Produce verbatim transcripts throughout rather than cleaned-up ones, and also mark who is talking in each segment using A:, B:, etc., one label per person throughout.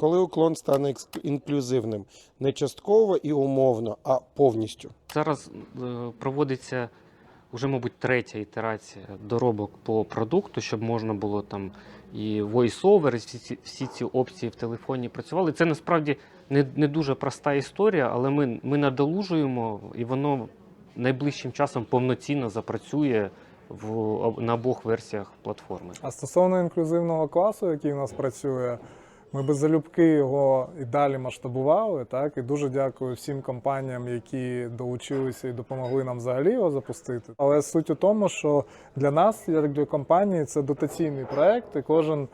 A: Коли уклон стане екск- інклюзивним? Не частково і умовно, а повністю.
B: Зараз е, проводиться вже, мабуть, третя ітерація доробок по продукту, щоб можна було там і voice-over, і всі ці, всі ці опції в телефоні працювали. Це насправді не, не дуже проста історія, але ми, ми надолужуємо, і воно найближчим часом повноцінно запрацює в, об- на обох версіях платформи.
C: А стосовно інклюзивного класу, який у нас працює, ми би залюбки його і далі масштабували. Так? І дуже дякую всім компаніям, які долучилися і допомогли нам взагалі його запустити. Але суть у тому, що для нас, як для компанії, це дотаційний проект, і кожен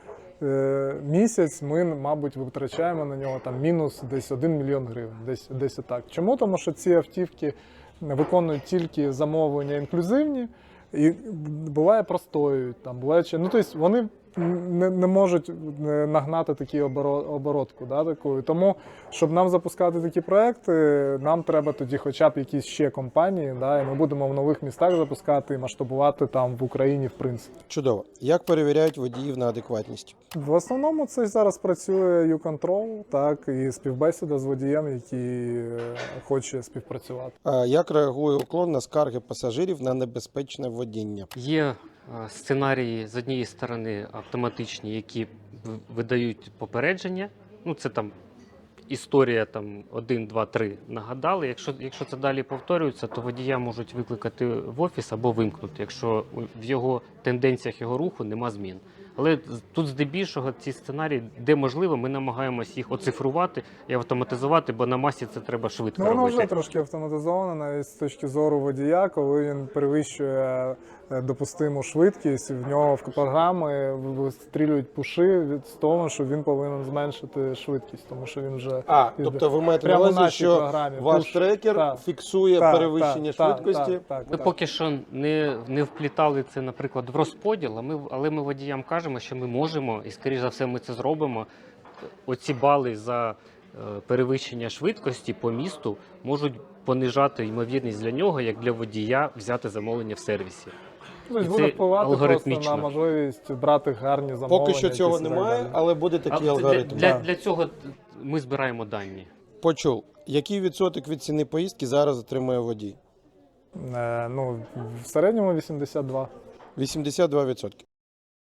C: е, місяць ми, мабуть, витрачаємо на нього там мінус десь один мільйон гривень. Десь, десь отак. Чому? Тому що ці автівки виконують тільки замовлення інклюзивні, і буває простоюють, там буває чи ну тобто вони не, не можуть нагнати такі оборо- оборотку, да, такою. Тому, щоб нам запускати такі проекти, нам треба тоді хоча б якісь ще компанії, да, і ми будемо в нових містах запускати і масштабувати там в Україні, в принципі.
A: Чудово. Як перевіряють водіїв на адекватність?
C: В основному це зараз працює YouControl, так, і співбесіда з водієм, який е, хоче співпрацювати.
A: А як реагує уклон на скарги пасажирів на небезпечне водіння?
B: Є е, сценарії з однієї сторони автоматичні, які в- видають попередження. Ну, це там історія там один, два, три нагадали. Якщо, якщо це далі повторюється, то водія можуть викликати в офіс або вимкнути, якщо у- в його тенденціях його руху нема змін. Але з- тут здебільшого ці сценарії, де можливо, ми намагаємося їх оцифрувати і автоматизувати, бо на масі це треба швидко
C: Ну, воно
B: робити.
C: вже трошки автоматизовано, навіть з точки зору водія, коли він перевищує е, допустиму швидкість, в нього в програми вистрілюють пуши від того, що він повинен зменшити швидкість, тому що він вже
A: А,
C: Із-
A: тобто ви маєте на
C: прямо в
A: увазі,
C: нашій
A: що
C: програмі.
A: ваш
C: Пуш.
A: трекер
C: Так.
A: фіксує
C: Так,
A: перевищення
C: так,
A: швидкості?
C: Так, так,
B: Ми
C: так.
B: поки що не, не вплітали це, наприклад, в розподіл, а ми, але ми водіям кажемо, що ми можемо, і, скоріш за все, ми це зробимо. Оці бали за е, перевищення швидкості по місту можуть понижати ймовірність для нього, як для водія, взяти замовлення в сервісі.
C: Тобто
B: І
C: буде
B: це
C: впливати просто
B: алгоритмічно.
C: на можливість брати гарні замовлення.
A: Поки що цього
C: якісь і так
A: немає,
C: далі.
A: але буде такий
B: А
A: алгоритм.
B: Для, для,
C: Так.
B: для цього ми збираємо дані.
A: Почув. Який відсоток від ціни поїздки зараз отримує водій?
C: Е, ну, в середньому вісімдесят два.
A: вісімдесят два відсотки.